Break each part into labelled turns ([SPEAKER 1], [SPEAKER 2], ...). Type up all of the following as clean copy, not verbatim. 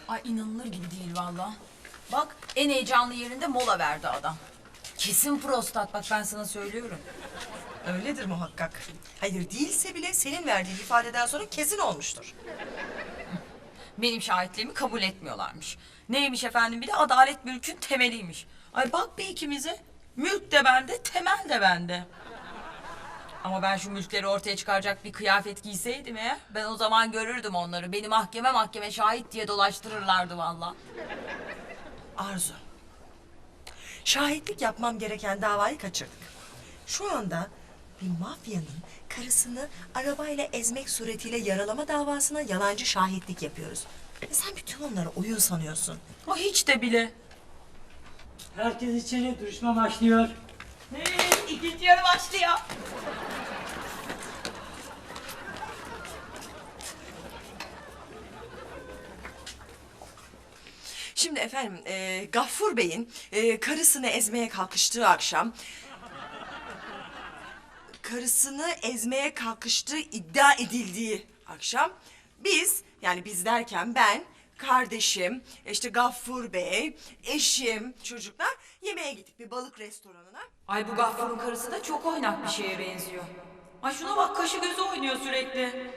[SPEAKER 1] Ay inanılır gibi değil valla. Bak en heyecanlı yerinde mola verdi adam. Kesin prostat, bak ben sana söylüyorum.
[SPEAKER 2] Öyledir muhakkak. Hayır değilse bile senin verdiğin ifadeden sonra kesin olmuştur.
[SPEAKER 1] Benim şahitliğimi kabul etmiyorlarmış. Neymiş efendim, bir de adalet mülkün temeliymiş. Ay bak bir ikimize, mülk de bende, temel de bende. Ama ben şu mülkleri ortaya çıkaracak bir kıyafet giyseydim eğer, ben o zaman görürdüm onları. Beni mahkeme şahit diye dolaştırırlardı valla.
[SPEAKER 2] Arzu. Şahitlik yapmam gereken davayı kaçırdık. Şu anda bir mafyanın karısını arabayla ezmek suretiyle yaralama davasına yalancı şahitlik yapıyoruz. Sen bütün onları oyun sanıyorsun.
[SPEAKER 1] O hiç de bile.
[SPEAKER 3] Herkes içeri, duruşma başlıyor.
[SPEAKER 1] İkinci yarı başlıyor.
[SPEAKER 2] Şimdi efendim, Gaffur Bey'in karısını ezmeye kalkıştığı akşam... ...karısını ezmeye kalkıştığı iddia edildiği akşam... ...biz, yani biz derken ben, kardeşim, işte Gaffur Bey, eşim, çocuklar yemeğe gittik bir balık restoranına.
[SPEAKER 1] Ay bu Gaffur'un karısı da çok oynak bir şeye benziyor. Ay şuna bak, kaşı gözü oynuyor sürekli.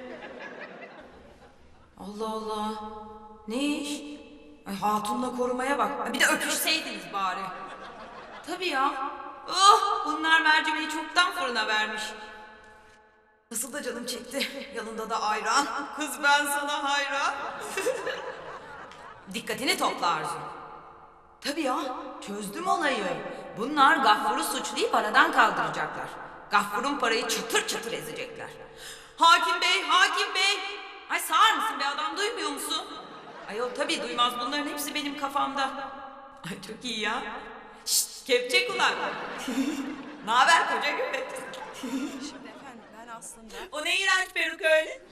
[SPEAKER 1] Allah Allah. Ne iş? Ay hatunla korumaya bak. Ay bir de öpüşseydiniz bari. Tabii ya. Oh, bunlar mercimeği çoktan fırına vermiş. Nasıl da canım çekti. Yanında da ayran. Kız ben sana hayran. Dikkatini topla Arzu. Tabii ya, çözdüm olayı. Bunlar Gaffur'u suçlayıp aradan kaldıracaklar. Gaffur'un parayı çıtır çıtır ezecekler. Hakim bey, hakim bey! Ay sağır mısın be adam, duymuyor musun? Ayol tabii duymaz, bunların hepsi benim kafamda. Ay çok iyi ya. Şşt, kepçe kulak. Naber koca göbek?
[SPEAKER 2] Şimdi efendim ben aslında...
[SPEAKER 1] O ne iğrenç peruk öyle?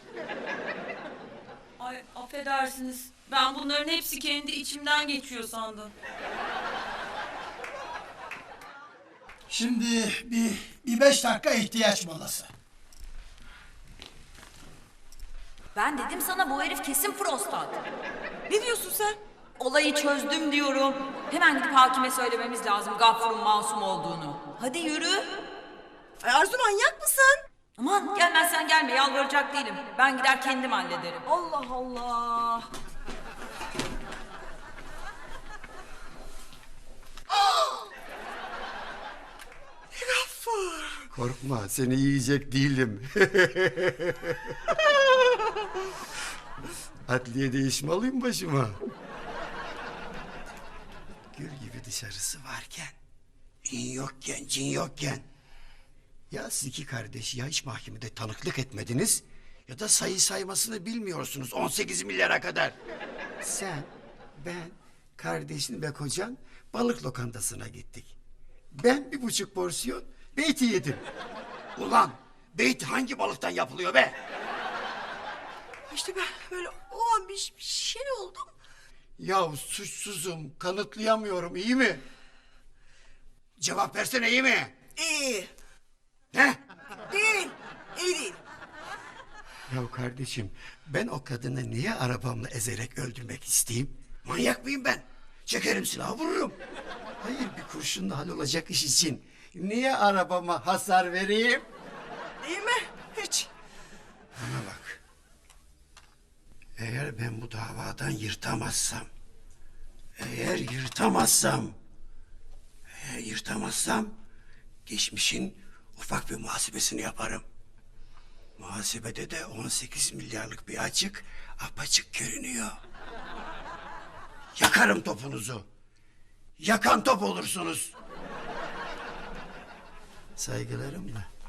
[SPEAKER 1] Ay affedersiniz. Ben bunların hepsi kendi içimden geçiyor sandım.
[SPEAKER 4] Şimdi bir 5 dakika ihtiyaç molası.
[SPEAKER 1] Ben dedim sana, bu herif kesin prostat.
[SPEAKER 2] Ne diyorsun sen?
[SPEAKER 1] Olayı çözdüm diyorum. Hemen gidip hakime söylememiz lazım Gaffur'un masum olduğunu. Hadi yürü.
[SPEAKER 2] Ay Arzu manyak mısın?
[SPEAKER 1] Aman gelmezsen gelme, yalvaracak değilim. Ben gider kendim hallederim.
[SPEAKER 2] Allah Allah. Gaffur.
[SPEAKER 5] Korkma, seni yiyecek değilim. Adliyede iş mi alayım başıma? Gül gibi dışarısı varken, in yokken, cin yokken. Ya siz iki kardeş ya hiç mahkemede tanıklık etmediniz... ...ya da sayı saymasını bilmiyorsunuz 18 milyara kadar. Sen, ben, kardeşin ve kocan balık lokantasına gittik. Ben 1,5 porsiyon beyti yedim. Ulan beyti hangi balıktan yapılıyor be?
[SPEAKER 2] İşte ben böyle o an bir şey oldum.
[SPEAKER 5] Ya suçsuzum, kanıtlayamıyorum, iyi mi? Cevap versene, iyi mi?
[SPEAKER 2] İyi.
[SPEAKER 5] Ne?
[SPEAKER 2] Değil. İyi değil.
[SPEAKER 5] Ya kardeşim, ben o kadını niye arabamla ezerek öldürmek isteyeyim? Manyak mıyım ben? Çekerim silahı, vururum. Hayır, bir kurşunla hallolacak iş için niye arabama hasar vereyim?
[SPEAKER 2] Değil mi? Hiç.
[SPEAKER 5] Bana bak. Eğer ben bu davadan yırtamazsam... ...eğer yırtamazsam... ...geçmişin ufak bir muhasebesini yaparım. Muhasebede de 18 milyarlık bir açık apaçık görünüyor. Yakarım topunuzu. Yakan top olursunuz. Saygılarımla.